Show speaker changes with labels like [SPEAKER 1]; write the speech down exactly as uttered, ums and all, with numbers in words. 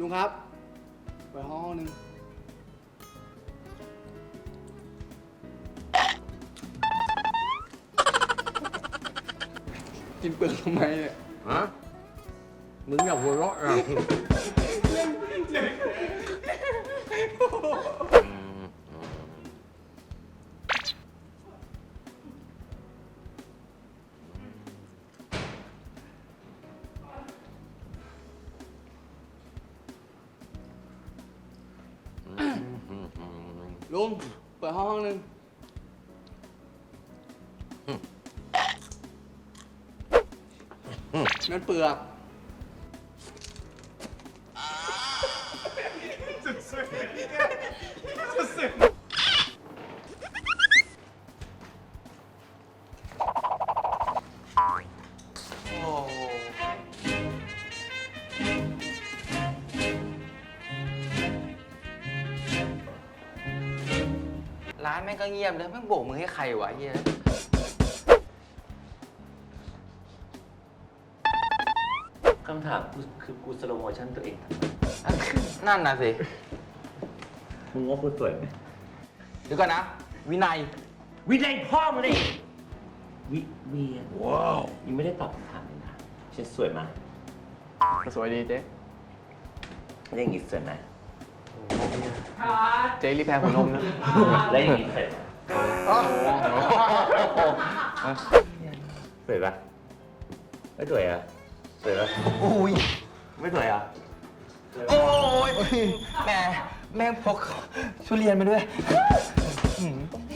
[SPEAKER 1] งครับไปห้องหนึ่งกินเปลือกทำไมเนี่ย
[SPEAKER 2] ฮะ มึงอย่าหัวเราะนะ
[SPEAKER 1] ลุงเปิดห้องห้องหนึ่งนั่นเปลือก
[SPEAKER 3] ร้านแม่งก็เงียบเลยแม่งโบกมือให้ใครวะเฮีย
[SPEAKER 4] คำถามกูคือกูสโลโมชั่นตัวเองทำไม
[SPEAKER 3] นั่นน่ะสิ
[SPEAKER 4] มึงว่ากูสวยไหม
[SPEAKER 3] เดี๋ยวก่อนนะ วินัย
[SPEAKER 4] วินัยพ่อมึงเลยวิเวียนว้าวยังไม่ได้ตอบคำถามเลยนะฉันสวยไหม
[SPEAKER 1] สวยดีเจ๊
[SPEAKER 4] แล้วอย่างงี้สวยไหม
[SPEAKER 1] เจ๊รีแพรหัวนมนะ
[SPEAKER 4] แล้วอย่างงี้สวยไหมสวยปะไม่สวยอ่ะสวยปะ
[SPEAKER 3] อุ้ย
[SPEAKER 4] ไม่สวยอ่ะ
[SPEAKER 3] โอ้ยแม่แม่งพกทุเรียนมาด้วย